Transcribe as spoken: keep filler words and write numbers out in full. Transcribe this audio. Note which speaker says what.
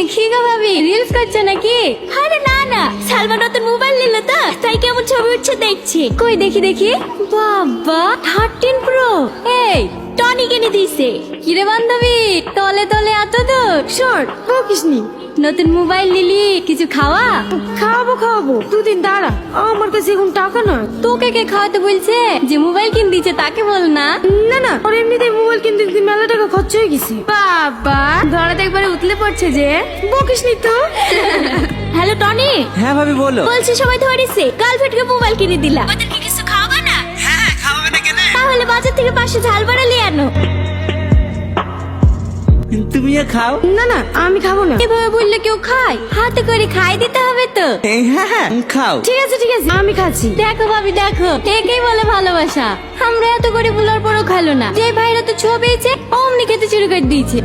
Speaker 1: কি গো ভাবি, রিলস করছো নাকি? আরে না না, সালমান নতুন মোবাইল নিল তো, তাই কেমন ছবি উঠছে দেখছি। কই দেখি দেখি। বাবা, থার্টিন প্রো। এই টনি কিনে দিছে। কিরে বান্ধবী, তলে তলে এত দূর? শোন, বকিসনি। নতুন মোবাইল নিলি, কিছু খাওয়া?
Speaker 2: খাওয়াবো খাওয়াবো, দুদিন দাঁড়া, আমার কাছে এখন টাকা নয়।
Speaker 1: তোকে কে খাওয়াতে বলছে? যে মোবাইল কিনে দিচ্ছে তাকে বল না।
Speaker 2: না না, ওর এমনিতেই মোবাইল কিনতে কিনতে মেলা টাকা খরচ হয়ে গেছে।
Speaker 1: বাবা, ধরাতে একবারে উতলে পড়ছে যে।
Speaker 2: বকিসনি তো।
Speaker 1: Hello Tony.
Speaker 3: হ্যাঁ ভাবি বলো।
Speaker 1: বলছি সবাই ধরেছে, গার্লফ্রেন্ডকে মোবাইল কিনে দিলা, ওদেরকে কিছু খাওয়াবে না?
Speaker 3: হ্যাঁ খাওয়াবে না কেন?
Speaker 1: তাহলে বাজার থেকে পাঁচশো ঝাল বাড়া নিয়ে আনো।
Speaker 3: তুমিও খাও।
Speaker 2: না না, আমি খাবো না।
Speaker 1: এভাবে বললে কেউ খায়? হাতে করে খাই দিতে হবে তো।
Speaker 3: এই হ্যাঁ হ্যাঁ খাও।
Speaker 2: ঠিক আছে ঠিক আছে, আমি খাচ্ছি।
Speaker 1: দেখো ভাবি দেখো, একেই বলে ভালোবাসা। আমরা এত করে বলার পরও খালো না। যে ভাইরা তো ছবিছে অমনি খেতে শুরু করে দিয়েছে।